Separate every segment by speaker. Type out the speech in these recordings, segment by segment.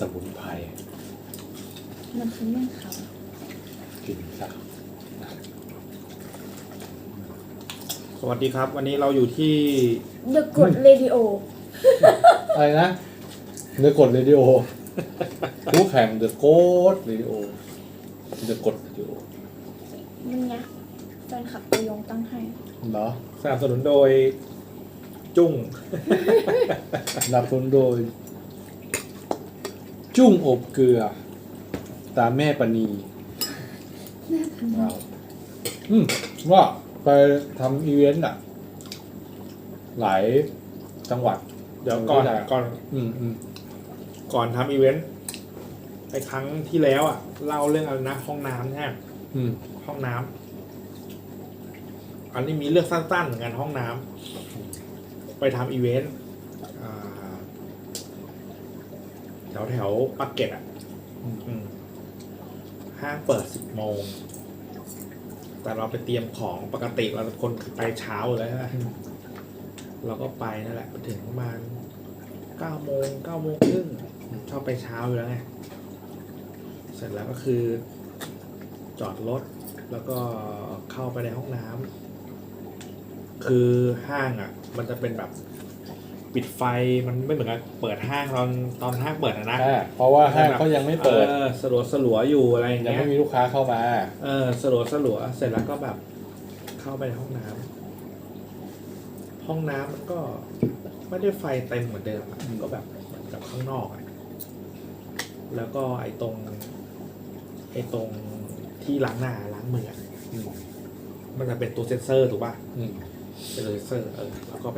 Speaker 1: มุนไพร
Speaker 2: มันคือเมี่ยงคำ
Speaker 1: กินซะ
Speaker 3: สวัสดีครับวันนี้เราอยู่ที่
Speaker 2: The Good Radio
Speaker 1: อะไรนะเดอะกดเรดิโอคู่แข่งเดอะโกดเรดิโอเดอะกดเรดิโอ
Speaker 2: มันไงแฟนคลับตัวยงตั้งให้
Speaker 1: เหรอ
Speaker 3: สนับสนุนโดยจุ้ง
Speaker 1: สนับสนุนโดยจุ้งอบเกลือตาแม่ปณีว้าวว่าไปทำอีเวนต์อ่ะหลายจังหวัด
Speaker 3: เดี๋ยวก่อนทำอีเวนต์ไปครั้งที่แล้วอ่ะเล่าเรื่องอะไรนะห้องน้ำใช่ไหมห้องน้ำอันนี้มีเรื่องสั้นๆเหมือนกันห้องน้ำไปทำอีเวนต์แถวปากเกร็ดอ่ะห้างเปิด10 โมงแต่เราไปเตรียมของปกติเราคนไปเช้าเลยใช่ไหมเราก็ไปนั่นแหละไปถึงประมาณ9 โมงครึ่งชอบไปเช้าอยู่แล้วไงเสร็จแล้วก็คือจอดรถแล้วก็เข้าไปในห้องน้ำคือห้างอ่ะมันจะเป็นแบบปิดไฟมันไม่เหมือนกับเปิดห้างตอนห้างเปิดนะ
Speaker 1: เพราะว่าห้างเขายังไม่เปิด
Speaker 3: สลัวอยู่อะไรอย่างเงี้ย
Speaker 1: ยังไม่มีลูกค้าเข้ามา
Speaker 3: สลัวเสร็จแล้วก็แบบเข้าไปในห้องน้ำมันก็ไม่ได้ไฟเต็มเหมือนเดิมก็แบบเหมือนกับข้างนอกแล้วก็ไอ้ตรงที่ล้างหน้าล้างมือมันจะเป็นตัวเซ็นเซอร์ถูกป่ะเป็นเซ็นเซอร์แล้วก็ไป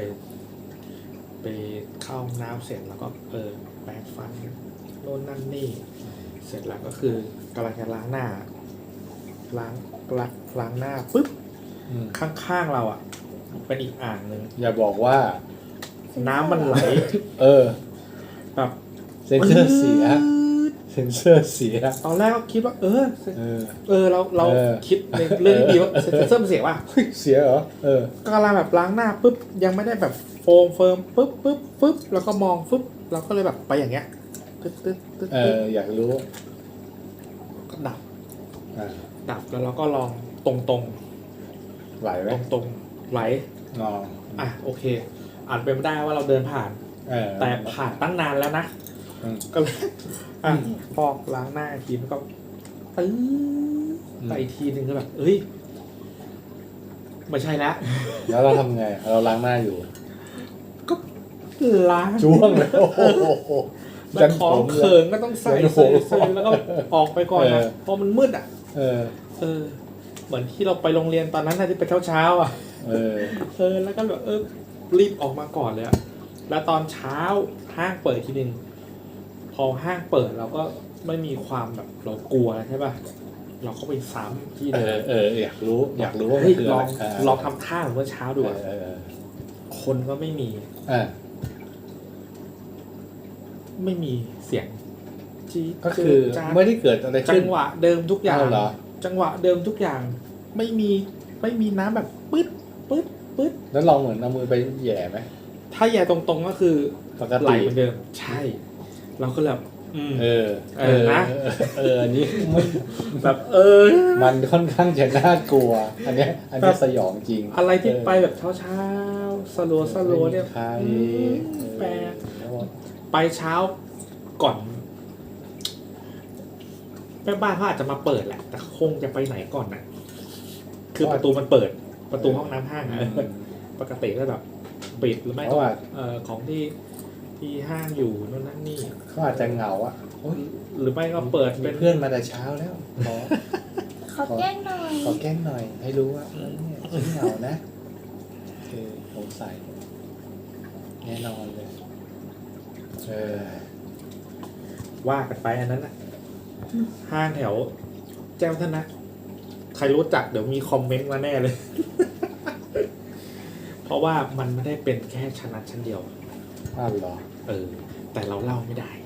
Speaker 3: เข้าน้ำเสร็จแล้วก็แปรงฟันโน่นนั่นนี่เสร็จแล้วก็คือกำลังจะล้างหน้าล้างหน้าปุ๊บข้างๆเราอ่ะเป็นอีกอ่างหนึ่ง
Speaker 1: อย่าบอกว่า
Speaker 3: น้ำมันไหลแบบ
Speaker 1: เซ็นเซอร์เสีย
Speaker 3: ตอนแรกก็คิดว่าเราคิดในเรื่องดีว่าเซ็นเซอร์มันเสียว่ะ
Speaker 1: เสียเหรอ
Speaker 3: ก็กำลังแบบล้างหน้าปุ๊บยังไม่ได้แบบโฟมเฟิร์มปุ๊บแล้วก็มองปุ๊บเราก็เลยแบบไปอย่างเงี้ยตึ๊ด
Speaker 1: อยากรู้
Speaker 3: ก็ดับแล้วเราก็ลองตรง
Speaker 1: ไหลไหม
Speaker 3: ตรงไหลโอเคอาจเป็นไม่ได้ว่าเราเดินผ่านแต่ผ่านตั้งนานแล้วนะก็เลยพอล้างหน้าทีมันก็ไปอีกทีนึงก็แบบไม่ใช่แล้ว
Speaker 1: เราทำไงเราล้างหน้าอยู่
Speaker 3: ก็ล้าง
Speaker 1: จ้วงเลยโอ้โห
Speaker 3: แต่ของเขิงก็ต้องใส่แล้วก็ออกไปก่อนนะเพราะมันมืดเหมือนที่เราไปโรงเรียนตอนนั้นที่ไปเช้าแล้วก็แบบรีบออกมาก่อนเลยแล้วตอนเช้าห้างเปิดทีนึงพอห้างเปิดเราก็ไม่มีความแบบเรากลัวใช่ป่ะเราก็ไปซ้ำที่เดิม
Speaker 1: อยากรู้ว่า
Speaker 3: ลองทำท่าเมื่อเช้าดูคนก็ไม่มีไม่มีเสียง
Speaker 1: ก็คือไม่ได้เกิดอะไร
Speaker 3: จังหวะเดิมทุกอย่างจังหวะเดิมทุกอย่างไม่มีน้ำแบบปึ๊ด
Speaker 1: แล้วลองเหมือนเอามือไปแย่ไหม
Speaker 3: ถ้าแย่ตรงๆก็คือ
Speaker 1: ปกติ
Speaker 3: ไหลเหมือนเดิมใช่เราก็แบบ
Speaker 1: นะอันนี้
Speaker 3: แบบ
Speaker 1: มันค่อนข้างจะน่ากลัวอันนี้สยองจริง
Speaker 3: อะไรที่ไปแบบเช้าสลัวเนี่ยแปลกไปเช้าก่อนแม่บ้านเขาอาจจะมาเปิดแหละแต่คงจะไปไหนก่อนน่ะคือประตูมันเปิดประตูห้องน้ำห้างปกติก็แบบปิดหรือไม่ก็ของที่ห้างอยู่นั่นนี่
Speaker 1: เขาอาจจะเหงา
Speaker 3: หรือไม่ก็เปิดเป็น
Speaker 1: เพื่อนมาแต่เช้าแล้ว
Speaker 2: ขอแกล้งห
Speaker 1: น่อยให้รู้ว่าเนี่ยเหงานะสงสัยแน่นอนเลย
Speaker 3: ว่ากันไปอันนั้นน่ะห้างแถวแจ้งท่านนะใครรู้จักเดี๋ยวมีคอมเมนต์มาแน่เลย เพราะว่ามันไม่ได้เป็นแค่ชั้นเดียว
Speaker 1: เหรอ
Speaker 3: แต่เราเล่าไม่ได้